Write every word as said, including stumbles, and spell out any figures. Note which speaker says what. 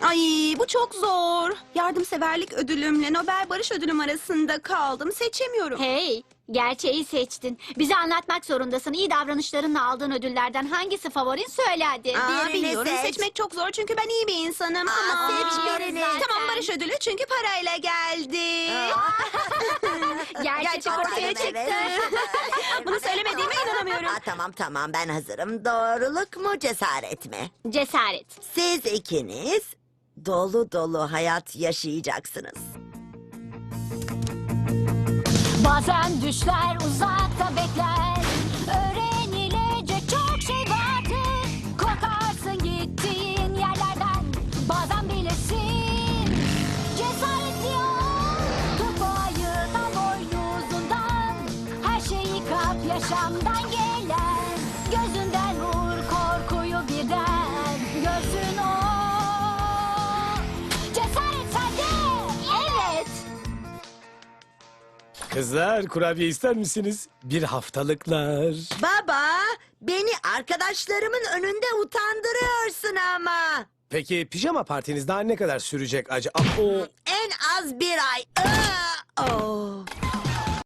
Speaker 1: Ay bu çok zor. Yardımseverlik ödülümle Nobel Barış Ödülüm arasında kaldım. Seçemiyorum.
Speaker 2: Hey, gerçeği seçtin. Bize anlatmak zorundasın. İyi davranışlarınla aldığın ödüllerden hangisi favorin söyle hadi.
Speaker 1: Aa,
Speaker 3: birini
Speaker 1: biliyorum
Speaker 3: seç.
Speaker 1: seçmek çok zor çünkü ben iyi bir insanım.
Speaker 3: Aa,
Speaker 1: Ama...
Speaker 3: seç birini.
Speaker 1: Tamam Barış Ödülü çünkü parayla geldi.
Speaker 2: Gerçek
Speaker 1: Gerçek
Speaker 2: ortaya
Speaker 1: ortaya
Speaker 2: çıktı.
Speaker 1: çıktı. Bunu söylemediğime inanamıyorum.
Speaker 3: Aa, tamam tamam ben hazırım. Doğruluk mu cesaret mi?
Speaker 2: Cesaret.
Speaker 3: Siz ikiniz dolu dolu hayat yaşayacaksınız.
Speaker 4: Bazen düşler uzakta bekler. Öğrenilecek çok şey vardır. Korkarsın gittiğin yerlerden. Bazen bilirsin. Cesaretli ol. Tut bu ayıdan boynuzundan. Her şeyi kap yaşamdan gelen. Gözünden vur korkuyu birden. Gözün o. Cesaret sende. Evet.
Speaker 5: Kızlar kurabiye ister misiniz? Bir haftalıklar.
Speaker 3: Baba, beni arkadaşlarımın önünde utandırıyorsun ama.
Speaker 5: Peki pijama partiniz daha ne kadar sürecek acaba? Ah, o...
Speaker 3: En az bir ay. Aa, oh.